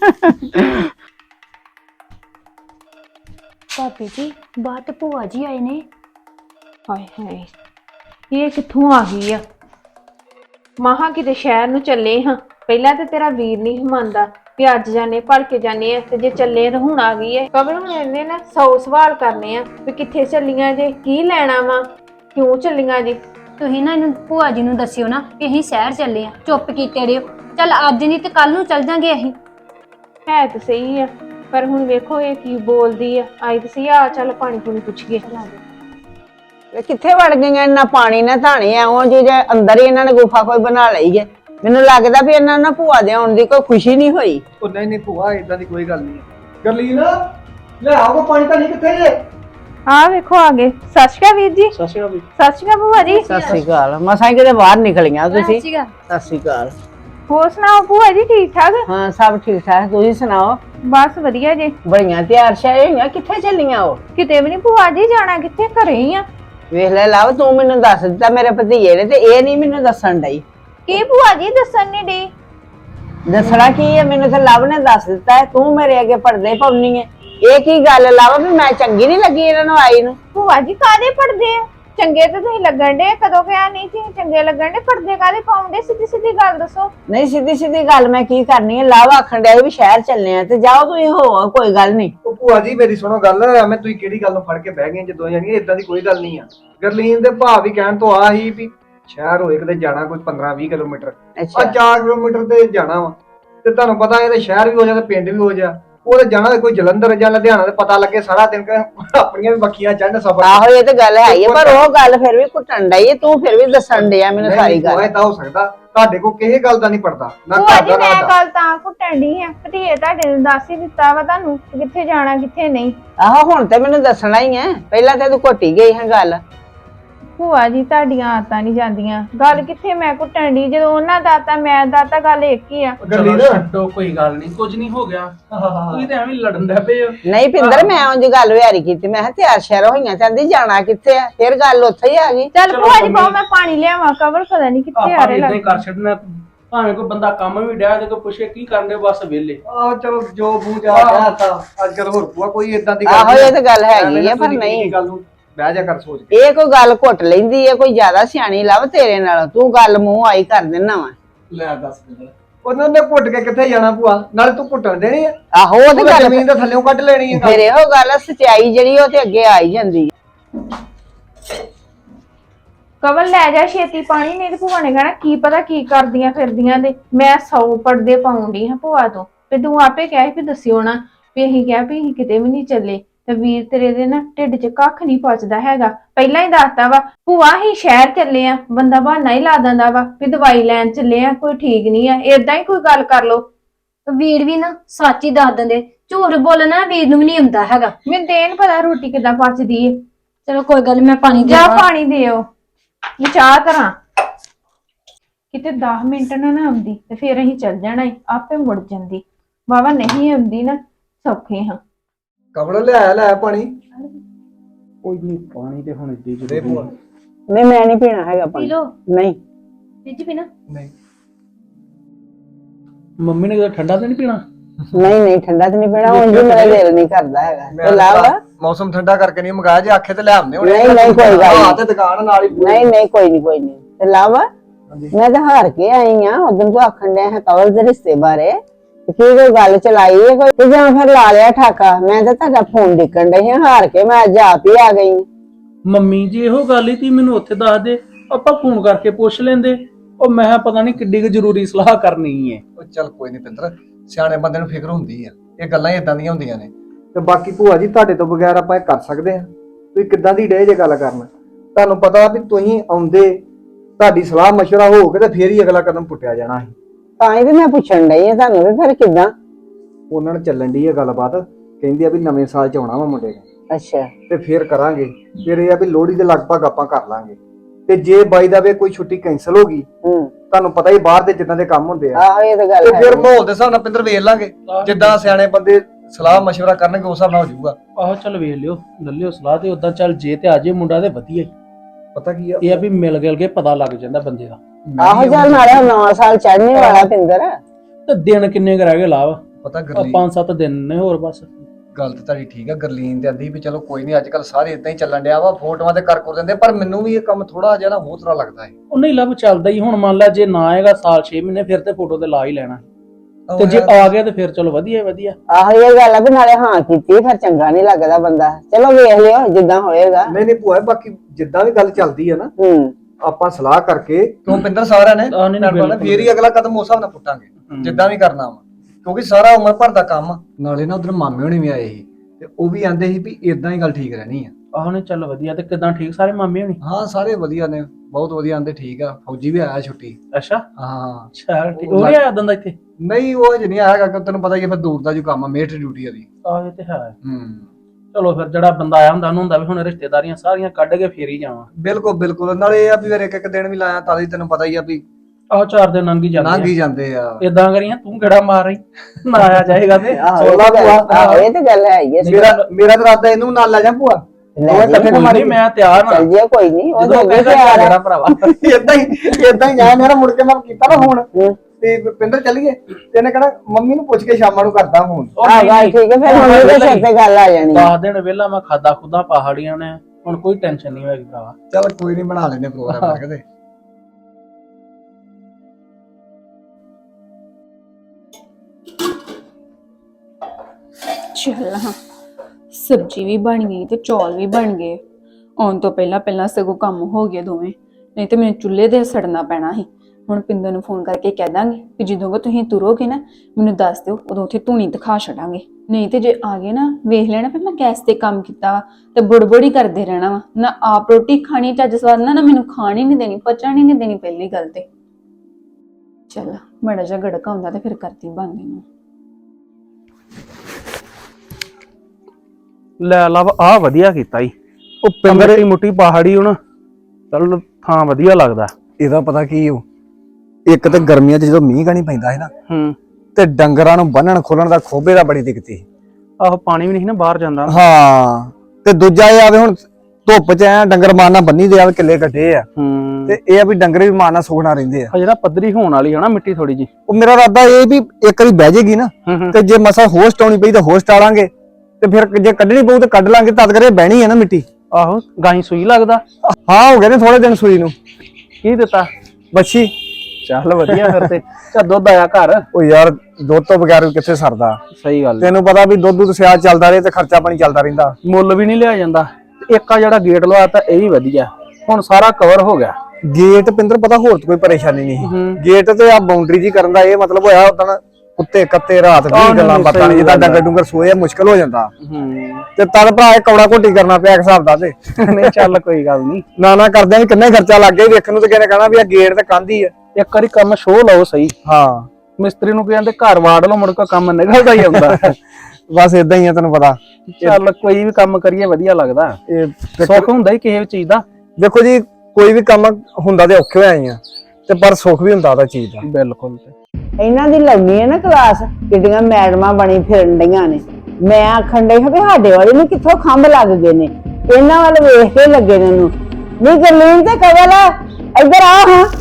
S2: ਭਾਬੀ ਜੀ ਬਾਹਰ ਤੇ ਭੂਆ ਜੀ ਆਏ ਨੇ।
S5: ਹਾਏ ਹਾਏ, ਇਹ ਕਿੱਥੋਂ ਆ ਗਈ ਆ? ਮਹਾ ਕਿਤੇ ਸ਼ਹਿਰ ਨੂੰ ਚੱਲੇ ਹਾਂ। ਪਹਿਲਾਂ ਤੇ ਤੇਰਾ ਵੀਰ ਨਹੀਂ ਮੰਨਦਾ ਵੀ ਅੱਜ ਜਾਣੇ ਭੜ ਕੇ ਜਾਣੇ ਆ, ਤੇ ਜੇ ਚੱਲੇ ਤਾਂ ਹੁਣ ਆ ਗਈ ਹੈ। ਕਬਰ ਹੁਣ ਇਹਨੇ ਨਾ ਸੌ ਸਵਾਲ ਕਰਨੇ ਆ ਵੀ ਕਿੱਥੇ ਚੱਲੀਆਂ ਜੇ, ਕੀ ਲੈਣਾ ਵਾ, ਕਿਉਂ ਚੱਲੀਆਂ ਜੇ।
S2: ਤੁਸੀਂ ਨਾ ਇਹਨੂੰ ਭੂਆ ਜੀ ਨੂੰ ਦੱਸਿਓ ਨਾ ਕਿ ਅਸੀਂ ਸ਼ਹਿਰ ਚੱਲੇ ਆ। ਚੁੱਪ ਕੀਤੇ ਰਹੋ, ਚੱਲ ਅੱਜ ਨਹੀਂ ਤੇ ਕੱਲ ਨੂੰ ਚੱਲ ਜਾਾਂਗੇ ਅਸੀਂ।
S5: ਹੈ ਤਾਂ ਸਹੀ ਆ, ਪਰ ਹੁਣ ਵੇਖੋ ਇਹ ਕੀ ਬੋਲਦੀ ਆ। ਆਈ ਤਾਂ ਸਹੀ ਆ, ਚੱਲ ਪਾਣੀ ਪੂਣੀ ਪੁੱਛੀਏ।
S1: ਇਹ ਕਿੱਥੇ ਵੜ ਗਈਆਂ ਇੰਨਾ ਪਾਣੀ ਨਾ ਧਾਣੀ ਐ ਉਹ ਜੀ ਜੇ ਅੰਦਰ ਹੀ ਇਹਨਾਂ ਨੇ ਗੁਫਾ ਕੋਈ ਬਣਾ ਲਈ ਹੈ। ਮੈਨੂੰ ਲੱਗਦਾ ਵੀ ਇਹਨਾਂ ਨੂੰ ਭੂਆ ਦੇ ਆਉਣ ਦੀ ਕੋਈ ਖੁਸ਼ੀ ਨਹੀਂ ਹੋਈ।
S4: ਉਹ ਨਹੀਂ ਨਹੀਂ ਭੂਆ ਇਦਾਂ ਦੀ ਕੋਈ ਗੱਲ ਨਹੀਂ। ਗਰਲੀਨ ਲੈ ਆਓ ਪਾਣੀ ਤਾਂ ਨਹੀਂ ਕਿੱਥੇ ਜੇ।
S5: ਆ ਵੇਖੋ ਆ ਗਏ। ਸਤਿ ਸ਼੍ਰੀ ਅਕਾਲ ਵੀਰ ਜੀ।
S3: ਸਤਿ ਸ਼੍ਰੀ ਅਕਾਲ ਵੀ।
S5: ਸਤਿ ਸ਼੍ਰੀ ਅਕਾਲ ਭੂਆ ਜੀ।
S1: ਸਤਿ ਸ੍ਰੀ ਅਕਾਲ। ਮਸਾਂ ਕਿਤੇ ਬਾਹਰ ਨਿਕਲੀਆਂ ਤੁਸੀਂ।
S2: ਸੀਗਾ
S1: ਸਤਿ ਸ੍ਰੀ ਅਕਾਲ।
S5: ਹੋਰ ਸੁਣਾਓ ਭੂਆ ਜੀ, ਠੀਕ ਠਾਕ?
S1: ਹਾਂ ਸਭ ਠੀਕ ਠਾਕ, ਤੁਸੀਂ ਸੁਣਾਓ?
S5: ਬਸ ਵਧੀਆ ਜੀ।
S1: ਬੜੀਆਂ ਤਿਆਰ ਸ਼ਾਇਰ ਹੋਈਆਂ, ਕਿੱਥੇ ਚੱਲੀਆਂ ਉਹ?
S5: ਕਿਤੇ ਵੀ ਨਹੀਂ ਭੂਆ ਜੀ, ਜਾਣਾ ਕਿੱਥੇ, ਘਰੇ ਹੀ ਆ।
S1: ਵੇਖ ਲੈ ਲਵ, ਤੂੰ ਮੈਨੂੰ ਦੱਸ ਦਿੱਤਾ ਮੇਰੇ ਭਤੀਜੇ ਨੇ ਤੇ ਇਹ ਨਹੀਂ ਮੈਨੂੰ ਦੱਸਣ ਡਈ।
S5: ਕੀ ਭੂਆ ਜੀ ਦੱਸਣ ਨਹੀਂ ਡਈ?
S1: ਦੱਸਣਾ ਕੀ ਹੈ, ਮੈਨੂੰ ਤਾਂ ਲਵ ਨੇ ਦੱਸ ਦਿੱਤਾ ਹੈ। ਤੂੰ ਮੇਰੇ ਅੱਗੇ ਪਰਦੇ ਪਾਉਣੀ ਹੈ। ਇਹ ਕੀ ਗੱਲ ਲਵ, ਵੀ ਮੈਂ ਚੰਗੀ ਨਹੀਂ ਲੱਗੀ ਇਹਨਾਂ ਨੂੰ ਆਈ ਨੂੰ?
S5: ਭੂਆ ਜੀ ਕਾਹਦੇ ਪਰਦੇ ਆ? ਚੰਗੇ ਤਾਂ ਤੁਸੀਂ ਲੱਗਣ ਡੇ, ਕਦੋਂ ਕਿਹਾ ਨਹੀਂ ਸੀ ਚੰਗੇ ਲੱਗਣ ਡੇ? ਪਰਦੇ ਕਾਹਦੇ ਪਾਉਂਦੇ? ਸਿੱਧੀ ਸਿੱਧੀ ਗੱਲ ਦੱਸੋ।
S1: ਨਹੀਂ ਸਿੱਧੀ ਸਿੱਧੀ ਗੱਲ ਮੈਂ ਕੀ ਕਰਨੀ ਹੈ। ਲਵ ਆਖਣ ਡਿਆ ਵੀ ਸ਼ਹਿਰ ਚੱਲੇ ਆ ਤੇ ਜਾਓ ਤੁਸੀਂ, ਹੋ ਕੋਈ ਗੱਲ ਨਹੀਂ।
S4: ਉਹ ਭੂਆ ਜੀ ਮੇਰੀ ਸੁਣੋ ਗੱਲ, ਐਵੇਂ ਤੁਸੀਂ ਕਿਹੜੀ ਗੱਲ ਨੂੰ ਫੜ ਕੇ ਬਹਿ ਗਏ ਜਦੋਂ ਜਾਣੀਆਂ, ਇਦਾਂ ਦੀ ਕੋਈ ਗੱਲ ਨਹੀਂ ਆ। ਗਰਲੀਨ ਦੇ ਭਾ ਵੀ ਕਹਿਣ ਤੋਂ ਆ ਹੀ ਵੀ ਸ਼ਹਿਰ ਹੋਏ ਕਿਤੇ ਜਾਣਾ ਕੋਈ ਪੰਦਰਾਂ ਵੀਹ ਕਿਲੋਮੀਟਰ, ਆ ਚਾਰ ਕਿਲੋਮੀਟਰ ਤੇ ਜਾਣਾ ਵਾ। ਤੇ ਤੁਹਾਨੂੰ ਪਤਾ ਇਹ ਸ਼ਹਿਰ ਵੀ ਹੋ ਜਾ ਤੇ ਪਿੰਡ ਵੀ ਹੋ ਜਾ, ਉਹ ਤੇ ਜਾਣਾ ਕੋਈ ਜਲੰਧਰ ਜਾਂ ਲੁਧਿਆਣਾ ਤੇ ਪਤਾ ਲੱਗੇ ਸਾਰਾ ਦਿਨ ਆਪਣੀਆਂ ਵੀ ਬੱਕੀਆਂ ਚੜਨ ਸਫਰ।
S1: ਆਹੋ ਇਹ ਤਾਂ ਗੱਲ ਹੈ ਹੀ ਹੈ, ਪਰ ਉਹ ਗੱਲ ਫਿਰ ਵੀ ਘੁੱਟਣ ਡਈ ਹੈ। ਤੂੰ ਫਿਰ ਵੀ ਦੱਸਣ ਡਿਆ ਮੈਨੂੰ ਸਾਰੀ ਗੱਲ।
S4: ਇਹ ਤਾਂ ਹੋ ਸਕਦਾ ਤੁਹਾਡੇ ਕੋਲ ਕਿਸੇ ਗੱਲ ਦਾ ਨਹੀਂ ਪੜਦਾ ਨਾ
S5: ਭੂਆ ਜੀ
S4: ਘਰ ਦਾ
S5: ਮੈਂ
S4: ਨਾ
S5: ਗੱਲ ਤਾਂ ਘੁੱਟਣ ਡਈ ਆ, ਭਤੀਏ ਤੁਹਾਡੇ ਨੇ ਦੱਸ ਹੀ ਦਿੱਤਾ ਵਾ ਤੁਹਾਨੂੰ ਕਿੱਥੇ ਜਾਣਾ ਕਿੱਥੇ ਨਹੀਂ।
S1: ਆਹੋ ਹੁਣ ਤੇ ਮੈਨੂੰ ਦੱਸਣਾ ਹੀ ਹੈ, ਪਹਿਲਾਂ ਤੇ ਤੂੰ ਘੁੱਟੀ ਗਈ ਹੈ ਗੱਲ।
S5: ਭੂਆ ਜੀ ਤੁਹਾਡੀਆਂ ਆਦਤਾਂ ਨਹੀਂ ਜਾਂਦੀਆਂ। ਗੱਲ ਕਿੱਥੇ ਮੈਂ ਘੁੱਟਣ ਡਈ, ਜਦੋਂ ਉਹਨਾਂ ਦਾ ਤਾਂ ਮੈਂ ਦਾ ਤਾਂ ਗੱਲ ਇੱਕ ਹੀ ਆ।
S3: ਚਲੋ ਛੱਡੋ, ਕੋਈ ਗੱਲ ਨਹੀਂ, ਕੁਝ ਨਹੀਂ ਹੋ ਗਿਆ। ਤੁਸੀਂ ਤਾਂ ਐਵੇਂ ਲੜਨ ਲੱਗ ਪਏ ਹੋ।
S1: ਨਹੀਂ ਪਿੰਦਰ, ਮੈਂ ਉਂਝ ਗੱਲ ਵਿਹਾਰੀ ਕੀਤੀ। ਮੈਂ ਕਿਹਾ ਤਿਆਰ ਸ਼ਹਿਰ ਹੋਈਆਂ, ਕਹਿੰਦੀ ਜਾਣਾ ਕਿੱਥੇ ਆ, ਫਿਰ ਗੱਲ ਉੱਥੇ ਹੀ ਆ ਗਈ।
S5: ਚੱਲ ਭੂਆ ਜੀ ਬਹੁ ਮੈਂ ਪਾਣੀ ਲਿਆਵਾਂ, ਕਵਰ ਪਤਾ ਨਹੀਂ ਕਿੱਥੇ ਆ
S3: ਆਪਾਂ
S5: ਰਹੇ
S3: ਇਦਾਂ ਹੀ
S5: ਲੱਗ।
S3: ਕਰ ਛੱਡਣਾ, ਭਾਵੇਂ ਕੋਈ ਬੰਦਾ ਕੰਮ ਵੀ ਡਿਆ ਤੇ ਕੋਈ ਪੁੱਛੇ ਕੀ ਕਰਨ ਦੇ ਬਸ ਵਿਹਲੇ।
S4: ਆ ਚਲੋ ਜੋ ਮੂੰਹ ਜਾ ਕਹਿਤਾ ਅੱਜ ਕੱਲ ਹੋਰ ਪੂਆ ਕੋਈ ਇਦਾਂ ਦੀ
S1: ਆਹੋ ਇਹ ਤਾਂ ਗੱਲ ਹੈਗੀ
S4: ਐਵੇਂ
S1: ਆ,
S4: ਨਾ
S1: ਪਰ
S4: ਤੂੰ ਨਿੱਕੀ
S1: ਨਹੀਂ
S4: ਗੱਲ ਨੂੰ ਬਹਿ ਜਾ ਕਰ ਸੋਚ ਕੇ।
S1: ਇਹ ਕੋਈ ਗੱਲ ਘੁੱਟ ਲੈਂਦੀ ਹੈ, ਕੋਈ ਜ਼ਿਆਦਾ ਸਿਆਣੀ ਲੱਭ ਤੇਰੇ ਨਾਲ, ਤੂੰ ਗੱਲ ਮੂੰਹ ਆਈ ਕਰ ਦਿੰਨਾ ਵਾ।
S3: ਲੈ ਦੱਸ ਪਿੰਦਰ
S4: ਉਹਨਾਂ ਨੇ ਘੁੱਟ ਕੇ ਕਿੱਥੇ ਜਾਣਾ ਭੂਆ, ਨਾਲੇ ਤੂੰ ਘੁੱਟਣ ਦੇਣੀ ਆ,
S1: ਆਹੋ ਉਹ ਤੇ
S4: ਉਹ ਤਾਂ
S1: ਗੱਲ
S4: ਜ਼ਮੀਨ ਦੇ ਥੱਲੇੋਂ ਕੱਢ ਲੈਣੀ ਆ
S1: ਫਿਰ ਇਹੋ ਗੱਲ ਆ, ਸਚਾਈ ਜਿਹੜੀ ਉਹ ਤੇ ਅੱਗੇ ਆ ਹੀ ਜਾਂਦੀ ਹੈ।
S5: ਕਵਲ ਲੈ ਜਾ ਛੇਤੀ ਪਾਣੀ, ਨਹੀਂ ਤੇ ਭੂਆ ਨੇ ਕਹਿਣਾ ਕੀ ਪਤਾ ਕੀ ਕਰਦੀਆਂ ਫਿਰਦੀਆਂ ਦੇ। ਮੈਂ ਸੌ ਪਰਦੇ ਪਾਉਂਦੀ ਹਾਂ ਭੂਆ ਤੋਂ, ਤੇ ਤੂੰ ਆਪੇ ਕਹਿ ਵੀ ਦੱਸਿਓ ਨਾ ਵੀ ਅਸੀਂ ਕਿਹਾ ਵੀ ਅਸੀਂ ਕਿਤੇ ਵੀ ਨਹੀਂ ਚੱਲੇ, ਤੇ ਵੀਰ ਤੇਰੇ ਦੇ ਨਾ ਢਿੱਡ 'ਚ ਕੱਖ ਨਹੀਂ ਪਚਦਾ ਹੈਗਾ। ਪਹਿਲਾਂ ਹੀ ਦੱਸਤਾ ਵਾ ਭੂਆ ਹੀ ਸ਼ਹਿਰ ਚੱਲੇ ਆ, ਬੰਦਾ ਬਹਾਨਾ ਹੀ ਲਾ ਦਿੰਦਾ ਵਾ ਵੀ ਦਵਾਈ ਲੈਣ ਚੱਲੇ ਆ, ਕੋਈ ਠੀਕ ਨਹੀਂ ਆ, ਏਦਾਂ ਹੀ ਕੋਈ ਗੱਲ ਕਰ ਲੋ।
S2: ਵੀਰ ਵੀ ਨਾ ਸੱਚ ਹੀ ਦੱਸ ਦਿੰਦੇ, ਝੂਠ ਬੋਲਣਾ ਵੀਰ ਨੂੰ ਵੀ ਨਹੀਂ ਹੁੰਦਾ ਹੈਗਾ।
S5: ਮੈਨੂੰ ਦੇਣ ਪਤਾ ਰੋਟੀ ਕਿੱਦਾਂ ਪਚਦੀ ਏ।
S2: ਚਲੋ ਕੋਈ ਗੱਲ ਨੀ, ਮੈਂ ਪਾਣੀ ਦੇ
S5: ਜਾ ਪਾਣੀ ਦਿਓ, ਮੈਂ ਚਾਹ ਧਰਾਂ। ਕਿਤੇ ਦਸ ਮਿੰਟ ਨਾ ਨਾ ਆਉਂਦੀ ਤੇ ਫੇਰ ਅਸੀਂ ਚੱਲ ਜਾਣਾ ਈ, ਆਪੇ ਮੁੜ ਜਾਂਦੀ। ਬਾਬਾ ਨਹੀਂ ਆਉਂਦੀ ਨਾ ਸੌਖੇ ਹਾਂ।
S4: ਕਬੜ ਲੈ ਲੈ ਪਾਣੀ।
S3: ਕੋਈ ਨਹੀਂ, ਪਾਣੀ ਤੇ ਹੁਣ ਇੱਦੀ
S4: ਦੇ ਭੂਆ।
S1: ਨਹੀਂ ਮੈਂ ਨਹੀਂ ਪੀਣਾ ਹੈਗਾ
S2: ਪੀ
S1: ਪਾਣੀ,
S2: ਲੋ
S1: ਨਹੀਂ
S2: ਵੀਰ ਪੀਣਾ।
S4: ਨਹੀਂ
S3: ਮੰਮੀ ਨੇ ਕਿਹਾ ਠੰਡਾ ਤੇ ਨਹੀਂ ਪੀਣਾ।
S1: ਨਹੀਂ ਨਹੀਂ ਠੰਡਾ ਤੇ ਨਹੀਂ ਪੀਣਾ, ਉਂਝ ਹੀ ਮੇਰਾ ਦਿਲ ਨਹੀਂ ਕਰਦਾ ਹੈਗਾ। ਤੇ ਲਾਵਾ
S4: ਮੌਸਮ ਠੰਡਾ ਕਰਕੇ ਨਹੀਂ ਮੰਗਾਇਆ, ਜੇ ਆਖੇ ਤੇ ਲੈ ਆਉਂਦੇ ਹੋਣੇ।
S1: ਨਹੀਂ ਨਹੀਂ ਕੋਈ ਗੱਲ
S4: ਹਾਂ ਤੇ ਦੁਕਾਨ ਨਾਲ ਹੀ
S1: ਨਹੀਂ ਨਹੀਂ ਕੋਈ ਨਹੀਂ ਕੋਈ ਨਹੀਂ। ਤੇ ਲਾਵਾ ਮੈਂ ਤਾਂ ਹਾਰ ਕੇ ਆਈ ਆ, ਉਦੋਂ ਤੋਂ ਆਖਣ ਡਿਆ ਹੈ ਕਵਲ ਦੇ ਰਿਸ਼ਤੇ ਬਾਰੇ, ਕੀ ਕੋਈ ਗੱਲ ਚਲਾਈ ਹੈ ਕੋਈ, ਤੇ ਜਾਂ ਫਿਰ ਲਾ ਲਿਆ ਠਾਕਾ। ਮੈਂ ਤਾਂ ਤੁਹਾਡਾ ਫੋਨ ਡਿੱਕਣ ਡਈ ਹਾਂ, ਹਾਰ ਕੇ ਮੈਂ ਅੱਜ ਆਪ ਹੀ ਆ ਗਈ।
S3: ਮੰਮੀ ਜੀ ਇਹੋ ਗੱਲ ਹੀ ਤੀ ਮੈਨੂੰ ਉੱਥੇ ਦੱਸ ਦੇ, ਆਪਾਂ ਫੋਨ ਕਰਕੇ ਪੁੱਛ ਲੈਂਦੇ। ਉਹ ਮੈਂ ਕਿਹਾ ਪਤਾ ਨਹੀਂ ਕਿੱਡੀ ਕੁ ਜ਼ਰੂਰੀ ਸਲਾਹ ਕਰਨੀ ਹੈ।
S4: ਉਹ ਚੱਲ ਕੋਈ ਨਹੀਂ ਪਿੰਦਰ, ਸਿਆਣੇ ਬੰਦੇ ਨੂੰ ਫਿਕਰ ਹੁੰਦੀ ਆ, ਇਹ ਗੱਲਾਂ ਹੀ ਇਦਾਂ ਦੀਆਂ ਹੁੰਦੀਆਂ ਨੇ। ਤੇ ਬਾਕੀ ਭੂਆ ਜੀ ਤੁਹਾਡੇ ਤੋਂ ਬਗੈਰ ਆਪਾਂ ਇਹ ਕਰ ਸਕਦੇ ਆ? ਤੁਸੀਂ ਕਿੱਦਾਂ ਦੀ ਡੇ ਜੇ ਗੱਲ ਕਰਨਾ, ਤੁਹਾਨੂੰ ਪਤਾ ਵੀ ਤੁਸੀਂ ਆਉਂਦੇ, ਤੁਹਾਡੀ ਸਲਾਹ ਮਸ਼ਵਰਾ ਹੋ ਕੇ ਤੇ ਫੇਰ ਹੀ ਅਗਲਾ ਕਦਮ ਪੁੱਟਿਆ ਜਾਣਾ ਸੀ।
S1: ਤਾਂ ਹੀ ਤੇ ਮੈਂ ਪੁੱਛਣ ਡਈ ਆ ਤੁਹਾਨੂੰ ਵੀ ਫਿਰ ਕਿੱਦਾਂ।
S4: ਉਹਨਾਂ ਨਾਲ ਚੱਲਣ ਦੀ ਇਹ ਗੱਲਬਾਤ, ਕਹਿੰਦੀ ਆ ਵੀ ਨਵੇਂ ਸਾਲ ਚ ਆਉਣਾ ਵਾ ਮੁੰਡੇ ਨੇ,
S1: ਅੱਛਾ
S4: ਤੇ ਫੇਰ ਕਰਾਂਗੇ। ਫਿਰ ਇਹ ਆ ਵੀ ਲੋਹੜੀ ਦੇ ਲਗਭਗ ਆਪਾਂ ਕਰ ਲਾਂਗੇ। ਤੇ ਜੇ ਬਾਈ ਦਾ ਵੇ ਕੋਈ ਛੁੱਟੀ ਕੈਂਸਲ ਹੋ ਗਈ,
S1: ਹੂੰ
S4: ਤੁਹਾਨੂੰ ਪਤਾ ਹੀ ਬਾਹਰ ਦੇ ਜਿੱਦਾਂ ਦੇ ਕੰਮ ਹੁੰਦੇ ਆ,
S1: ਆਹੋ ਇਹ ਤਾਂ ਗੱਲ
S4: ਤੇ
S1: ਹੈ।
S4: ਫਿਰ ਮਾਹੌਲ ਦੇ ਹਿਸਾਬ ਨਾਲ ਪਿੰਦਰ ਵੇਖ ਲਾਂਗੇ, ਜਿੱਦਾਂ ਸਿਆਣੇ ਬੰਦੇ ਸਲਾਹ ਮਸ਼ਵਰਾ ਕਰਨਗੇ ਉਸ ਹਿਸਾਬ ਨਾਲ ਹੋ ਜਾਊਗਾ।
S3: ਆਹੋ ਚੱਲ ਵੇਖ ਲਿਓ, ਲੱਲਿਓ ਸਲਾਹ ਤੇ ਉਦਾਂ ਚੱਲ ਜੇ ਤੇ ਆਜੇ ਮੁੰਡਾ ਤੇ ਵਧੀਆ ਹੀ।
S4: ਪਤਾ ਕੀ ਆ,
S3: ਇਹ ਆ ਵੀ ਮਿਲ ਗਿਲ ਕੇ ਪਤਾ ਲੱਗ ਜਾਂਦਾ ਬੰਦੇ ਦਾ।
S1: ਆਹੋ ਚੱਲ ਨਾਲੇ ਹੁਣ ਨਵਾਂ ਸਾਲ ਚੜ੍ਹਨੇ ਵਾਲਾ ਪਿੰਦਰ।
S3: ਤੇ ਦਿਨ ਕਿੰਨੇ ਕੁ ਰਹਿ ਗਏ ਲਾਭ?
S4: ਪਤਾ
S3: ਆਹ
S4: ਗਰਲੀਨ,
S3: ਪੰਜ ਸੱਤ ਦਿਨ ਨੇ ਹੋਰ ਬਸ।
S4: ਗੱਲ ਤਾਂ ਤੁਹਾਡੀ ਠੀਕ ਆ। ਗਰਲੀਨ ਤੇ ਆਂਦੀ ਵੀ ਚਲੋ ਕੋਈ ਨਹੀਂ, ਅੱਜ ਕੱਲ ਸਾਰੇ ਇਦਾਂ ਹੀ ਚੱਲਣ ਡਿਆ ਵਾ, ਫੋਟੋਆਂ ਤੇ ਕਰ ਕਰ ਦਿੰਦੇ, ਪਰ ਮੈਨੂੰ ਵੀ ਇਹ ਕੰਮ ਥੋੜਾ ਜਿਹਾ ਨਾ ਹੋਰ ਤਰ੍ਹਾਂ ਲੱਗਦਾ ਹੈ।
S3: ਉਹ ਨਹੀਂ ਲੱਭ ਚੱਲਦਾ ਹੀ। ਹੁਣ ਮੰਨ ਲੈ ਜੇ ਨਾ ਆਏਗਾ ਸਾਲ ਛੇ ਮਹੀਨੇ, ਫਿਰ ਤੇ ਫੋਟੋ ਤੇ ਲਾ ਹੀ ਲੈਣਾ। ਤੇ ਜੇ ਆ ਗਿਆ ਤੇ ਫਿਰ ਚਲੋ ਵਧੀਆ ਵਧੀਆ।
S1: ਆਹੋ ਇਹ ਗੱਲ ਆ ਵੀ ਨਾਲੇ ਹਾਂ ਕੀਤੀ, ਫਿਰ ਚੰਗਾ ਨਹੀਂ ਲੱਗਦਾ ਬੰਦਾ। ਚਲੋ ਵੇਖ ਲਿਓ ਜਿੱਦਾਂ ਹੋਏਗਾ।
S4: ਨਹੀਂ ਨਹੀਂ ਭੂਆ, ਬਾਕੀ ਜਿੱਦਾਂ ਵੀ ਗੱਲ ਚੱਲਦੀ ਹੈ ਨਾ,
S1: ਹੂੰ
S4: ਆਪਾਂ ਸਲਾਹ ਕਰਕੇ, ਕਿਉਂ ਪਿੰਦਰ ਸਾਰਿਆਂ ਨੇ
S3: ਆਹ ਨਹੀਂ, ਨਹੀਂ,
S4: ਭੈਣ ਫੇਰ ਹੀ ਅਗਲਾ ਕਦਮ ਉਸ ਹਿਸਾਬ ਨਾਲ ਪੁੱਟਾਂਗੇ ਜਿੱਦਾਂ ਵੀ ਕਰਨਾ ਵਾ, ਕਿਉਂਕਿ ਸਾਰਾ ਉਮਰ ਭਰ ਦਾ ਕੰਮ ਆ। ਨਾਲੇ ਨਾ ਉਧਰ ਮਾਮੇ ਹੋਣੀ ਵੀ ਆਏ ਸੀ, ਤੇ ਉਹ ਵੀ ਆਂਦੇ ਸੀ ਵੀ ਇਦਾਂ ਹੀ ਗੱਲ ਠੀਕ ਰਹਿਣੀ ਆ।
S3: ਆਹੋ ਨਹੀਂ ਚੱਲ ਵਧੀਆ। ਤੇ ਕਿਦਾਂ ਠੀਕ ਸਾਰੇ ਮਾਮੇ ਹੋਣੀ?
S4: ਹਾਂ ਸਾਰੇ ਵਧੀਆ ਨੇ, ਬਹੁਤ ਵਧੀਆ ਆਂਦੇ, ਠੀਕ ਆ। ਫੌਜੀ ਵੀ ਆਇਆ ਛੁੱਟੀ।
S3: ਅੱਛਾ
S4: ਹਾਂ
S3: ਚੱਲ ਠੀਕ। ਉਹ ਨਹੀਂ ਆਇਆ ਉਦੋਂ ਦਾ ਇੱਥੇ?
S4: ਨਹੀਂ ਉਹ ਅਜੇ ਨਹੀਂ ਆਇਆ, ਕਿ ਤੈਨੂੰ ਪਤਾ ਹੀ ਆ ਫਿਰ ਦੂਰ ਦਾ ਜੋ ਕੰਮ ਆ, ਮੇਟ ਡਿਊਟੀ ਆ ਦੀ।
S3: ਆਹ ਇਹ ਤੇ ਹੈ।
S4: ਹੂੰ
S3: ਚਲੋ ਫਿਰ ਜਿਹੜਾ ਬੰਦਾ ਆਇਆ ਹੁੰਦਾ ਉਹਨੂੰ ਹੁੰਦਾ ਵੀ ਹੁਣ ਰਿਸ਼ਤੇਦਾਰੀਆਂ ਸਾਰੀਆਂ ਕੱਢ ਕੇ ਫੇਰ ਹੀ ਜਾਵਾਂ।
S4: ਬਿਲਕੁਲ ਬਿਲਕੁਲ। ਨਾਲੇ ਇਹ ਆ ਵੀ ਫਿਰ ਇੱਕ ਇੱਕ ਦਿਨ ਵੀ ਲਾਇਆ ਤਾਂ ਹੀ ਤੈਨੂੰ ਪਤਾ ਹੀ ਆ ਵੀ
S3: ਆਹੋ ਚਾਰ ਦਿਨ ਲੰਘ ਹੀ ਜਾਂਦੇ
S4: ਲੰਘ ਹੀ ਜਾਂਦੇ ਆ।
S3: ਇਦਾਂ ਕਰੀਆਂ ਤੂੰ ਕਿਹੜਾ ਮਾਰ ਰਹੀ ਨਾ ਆਇਆ ਜਾਏਗਾ ਤੇ
S1: ਆਹੋ ਇਹ ਤਾਂ ਗੱਲ- ਆਹੋ ਇਹ ਤਾਂ ਗੱਲ ਹੈ ਹੀ ਆ।
S4: ਮੇਰਾ ਮੇਰਾ ਤਾਂ ਇਰਾਦਾ ਇਹਨੂੰ ਨਾਲ ਲੈ ਜਾ ਭੂਆ,
S1: ਲੈ
S4: ਦੋਵੇਂ
S1: ਜੀ,
S4: ਇਕੱਠੇ ਨਾ
S3: ਕੋਈ
S4: ਮਾਰੀ।
S3: ਨੀ, ਮੈਂ ਤਿਆਰ ਹਾਂ।
S1: ਚੱਲ ਜੇ ਕੋਈ ਨਹੀਂ, ਉਹ
S3: ਜਦੋਂ
S1: ਤਾਂ ਅੱਗੇ
S3: ਕਹਿੰਦਾ
S1: ਤਿਆਰ
S3: ਮੇਰਾ
S1: ਆ।
S3: ਭਰਾਵਾ
S4: ਇਦਾਂ ਹੀ ਇਦਾਂ ਹੀ ਜਾਇਆ ਮੇਰਾ, ਮੁੜ ਕੇ ਮੈਂ ਕੀਤਾ ਨਾ ਫੋਨ
S1: ਹੂੰ।
S4: ਤੇ ਪਿੰਦਰ ਚੱਲੀਏ, ਤੇ ਇਹਨੇ ਕਹਿਣਾ ਮੰਮੀ ਨੂੰ ਪੁੱਛ ਕੇ ਸ਼ਾਮਾਂ ਨੂੰ ਕਰਦਾ ਫੋਨ।
S3: ਉਹ
S1: ਆਹ
S3: ਨਹੀਂ,
S1: ਗੱਲ
S3: ਨਹੀਂ।
S1: ਠੀਕ ਹੈ, ਫਿਰ ਮੰਮੀ ਦੇ ਸਿਰ ਤੇ ਗੱਲ ਆ ਜਾਣੀ।
S3: ਦਸ ਦਿਨ ਵਿਹਲਾ ਮੈਂ ਖਾਦਾ ਖੁਦਾ ਪਹਾੜੀਆਂ ਨੇ, ਹੁਣ ਕੋਈ ਟੈਨਸ਼ਨ ਨਹੀਂ ਹੋਏਗੀ ਭਰਾਵਾ।
S4: ਚੱਲ ਕੋਈ ਨਹੀਂ, ਬਣਾ ਲੈਨੇ ਪ੍ਰੋਗਰਾਮ ਮੈਂ ਕਦੇ।
S6: ਚੱਲ ਹਾਂ, ਸਬਜ਼ੀ ਵੀ ਬਣ ਗਈ ਤੇ ਚੌਲ ਵੀ ਬਣ ਗਏ। ਆਉਣ ਤੋਂ ਪਹਿਲਾਂ ਪਹਿਲਾਂ ਸਗੋਂ ਕੰਮ ਹੋ ਗਏ ਦੋਵੇਂ, ਨਹੀਂ ਤੇ ਮੈਨੂੰ ਚੁੱਲ੍ਹੇ ਤੇ ਸੜਨਾ ਪੈਣਾ ਸੀ। ਹੁਣ ਪਿੰਦਰ ਨੂੰ ਫੋਨ ਕਰਕੇ ਕਹਿ ਦਾਂਗੇ ਕਿ ਜਦੋਂ ਕੋ ਤੁਸੀਂ ਤੁਰੋਗੇ ਨਾ ਮੈਨੂੰ ਦੱਸ ਦਿਓ, ਉਦੋਂ ਉੱਥੇ ਧੂਣੀ ਦਿਖਾ ਛੱਡਾਂਗੇ। ਨਹੀਂ ਤੇ ਜੇ ਆ ਗਏ ਨਾ, ਵੇਖ ਲੈਣਾ ਫਿਰ ਮੈਂ ਗੈਸ ਤੇ ਕੰਮ ਕੀਤਾ ਵਾ ਤੇ ਬੁੜਬੁੜ ਹੀ ਕਰਦੇ ਰਹਿਣਾ ਵਾ। ਨਾ ਆਪ ਰੋਟੀ ਖਾਣੀ ਚੱਜ ਸਵਾਦ ਨਾ, ਨਾ ਮੈਨੂੰ ਖਾਣੀ ਨਹੀਂ ਦੇਣੀ, ਪਚਣ ਹੀ ਨਹੀਂ ਦੇਣੀ ਪਹਿਲੀ ਗੱਲ ਤੇ। ਚੱਲ ਮਾੜਾ ਜਿਹਾ ਗੜਕਾ ਹੁੰਦਾ ਤੇ ਫਿਰ ਕਰਤੀ ਬੰਦ ਇਹਨੂੰ।
S3: ਲੈ ਲਵ ਆ ਵਧੀਆ ਕੀਤਾ ਈ। ਉਹ ਪਿੰਗੜੀ ਮੁੱਟੀ ਪਹਾੜੀ ਹੁਣ ਚੱਲ ਥਾਂ ਵਧੀਆ ਲੱਗਦਾ।
S4: ਇਹਦਾ ਪਤਾ ਕੀ ਹੋ, ਇੱਕ ਤੇ ਗਰਮੀਆਂ 'ਚ ਜਦੋਂ ਮੀਂਹ ਗਾਣੀ ਪੈਂਦਾ ਹੈ ਨਾ,
S3: ਹੂੰ
S4: ਤੇ ਡੰਗਰਾਂ ਨੂੰ ਬੰਨਣ ਖੋਲਣ ਦਾ ਖੋਬੇ ਦਾ ਬੜੀ ਦਿੱਕਤ ਸੀ।
S3: ਆਹੋ ਪਾਣੀ ਵੀ ਨਹੀਂ ਨਾ ਬਾਹਰ ਜਾਂਦਾ।
S4: ਹਾਂ ਤੇ ਦੂਜਾ ਇਹ ਆਵੇ ਹੁਣ ਧੁੱਪ ਚ ਐ ਡੰਗਰ ਮਾਰਨਾ ਬੰਨੀ ਦੇ ਆ ਕਿੱਲੇ ਕੱਢੇ ਆ
S3: ਹੂੰ
S4: ਤੇ ਇਹ ਆ ਵੀ ਡੰਗਰ ਵੀ ਮਾਰਨਾ ਸੁਖਣਾ ਰਹਿੰਦੇ ਆ
S3: ਆ ਜਿਹੜਾ ਪੱਧਰੀ ਹੋਣ ਵਾਲੀ ਹੈ ਨਾ ਮਿੱਟੀ ਥੋੜੀ ਜੀ
S4: ਉਹ ਮੇਰਾ ਇਰਾਦਾ ਇਹ ਵੀ ਇੱਕ ਵਾਰੀ ਬਹਿ ਜੇਗੀ ਨਾ
S3: ਹੂੰ ਹੂੰ
S4: ਤੇ ਜੇ ਮਸਾ ਹੋਸਟ ਆਉਣੀ ਪਈ ਤਾਂ ਹੋਸਟ ਆਲਾਂਗੇ ਤੇ ਫਿਰ ਜੇ ਕੱਢਣੀ ਪਊ ਤਾਂ ਕੱਢ ਲਾਂਗੇ ਤਦ ਕਰੇ ਬਹਿਣੀ ਹੈ ਨਾ ਮਿੱਟੀ
S3: ਆਹੋ ਗਾਈ ਸੂਈ ਲੱਗਦਾ
S4: ਹਾਂ ਹੋ ਗਏ ਨੇ ਥੋੜੇ ਦਿਨ ਸੂਈ ਨੂੰ
S3: ਕੀ ਦਿੱਤਾ
S4: ਬੱਚੀ
S3: ਚੱਲ ਵਧੀਆ ਫਿਰ ਤੇ ਚਾ ਦੁੱਧ ਆਇਆ ਘਰ
S4: ਉਹ ਯਾਰ ਦੁੱਧ ਤੋਂ ਬਗੈਰ ਵੀ ਕਿੱਥੇ ਸਰਦਾ
S3: ਸਹੀ ਗੱਲ
S4: ਤੈਨੂੰ ਪਤਾ ਵੀ ਦੁੱਧ ਦੁੱਧ ਸਿਆਲ ਚੱਲਦਾ ਰਹੇ ਤੇ ਖਰਚਾ ਪਾਣੀ ਚੱਲਦਾ ਰਹਿੰਦਾ
S3: ਮੁੱਲ ਵੀ ਨਹੀਂ ਲਿਆ ਜਾਂਦਾ ਇੱਕ ਆ ਜਿਹੜਾ ਗੇਟ ਲਵਾਤਾ ਇਹ ਵੀ ਵਧੀਆ ਹੁਣ ਸਾਰਾ ਕਵਰ ਹੋ ਗਿਆ
S4: ਗੇਟ ਪਿੰਦਰ ਪਤਾ ਹੋਰ ਤਾਂ ਕੋਈ ਪਰੇਸ਼ਾਨੀ ਨਹੀਂ
S3: ਹੂੰ
S4: ਗੇਟ ਤੇ ਆ ਬਾਉਂਡਰੀ ਜੀ ਕਰਨ ਦਾ ਇਹ ਮਤਲਬ ਹੋਇਆ ਉਦੋਂ ਕੁੱਤੇ ਕੱਤੇ ਰਾਤ
S3: ਆਹ
S4: ਦੀ ਗੱਲਾਂ
S3: ਨਹੀਂ,
S4: ਬਾਤਾਂ
S3: ਸਹੀ
S4: ਜਿੱਦਾਂ
S3: ਗੱਲ ਆ।
S4: ਡੰਗਰ ਡੁੰਗਰ ਸੋਏ ਮੁਸ਼ਕਲ ਹੋ ਜਾਂਦਾ
S3: ਹੂੰ
S4: ਤੇ ਤਦ ਭਰਾ ਇਹ ਕੌੜਾ ਘੋਟੀ ਕਰਨਾ ਪਿਆ ਇੱਕ ਹਿਸਾਬ ਦਾ ਤੇ
S3: ਨਹੀਂ ਚੱਲ ਕੋਈ ਗੱਲ ਨਹੀਂ
S4: ਨਾ ਨਾ ਕਰਦਿਆਂ ਵੀ ਕਿੰਨਾ ਹੀ ਖਰਚਾ ਲੱਗ ਗਿਆ ਵੇਖਣ ਨੂੰ ਤੇ ਕਿਹਨੇ ਕਹਿਣਾ ਵੀ ਆ ਗੇਟ ਤੇ ਕੰਧ ਹੀ ਆ
S3: ਇੱਕ ਵਾਰੀ ਕੰਮ ਸ਼ੋਅ ਲਾਓ ਸਹੀ
S4: ਹਾਂ
S3: ਮਿਸਤਰੀ ਨੂੰ ਕਹਿੰਦੇ ਘਰ ਵਾੜ ਲਓ ਮੁੜ ਕੇ ਕੰਮ ਨਿਕਲਦਾ ਹੀ ਆਉਂਦਾ
S4: ਬਸ ਇਦਾਂ ਹੀ ਆ ਤੈਨੂੰ ਪਤਾ
S3: ਚੱਲ ਕੋਈ ਵੀ ਕੰਮ ਕਰੀਏ ਵਧੀਆ ਲੱਗਦਾ
S4: ਇਹ
S3: ਸੁੱਖ ਹੁੰਦਾ ਹੀ ਕਿਸੇ ਵੀ ਚੀਜ਼ ਦਾ
S4: ਦੇਖੋ ਜੀ ਕੋਈ ਵੀ ਕੰਮ ਹੁੰਦਾ ਤੇ ਔਖੇ ਹੋਏ ਆ ਤੇ ਪਰ ਸੁੱਖ ਵੀ ਹੁੰਦਾ ਉਹਦਾ ਚੀਜ਼ ਦਾ
S3: ਬਿਲਕੁਲ ਤੇ
S1: ਇਹਨਾਂ ਦੀ ਲਾਉਣੀ ਹੈ ਨਾ ਕਲਾਸ ਕਿੱਡੀਆਂ ਮੈਡਮਾਂ ਬਣੀ ਫਿਰਨ ਡੀਆਂ ਨੇ ਮੈਂ ਆਖਣ ਡਈ ਹਾਂ ਵੀ ਸਾਡੇ ਵਾਲੇ ਨੂੰ ਕਿੱਥੋਂ ਖੰਭ ਲੱਗ ਗਏ ਨੇ ਇਹਨਾਂ ਵੱਲ ਵੇਖ ਕੇ ਲੱਗੇ ਨੇ ਨੂੰ ਨਹੀਂ ਗਰਲੀਨ ਤੇ ਕਵਲ ਇੱਧਰ ਆ ਹਾਂ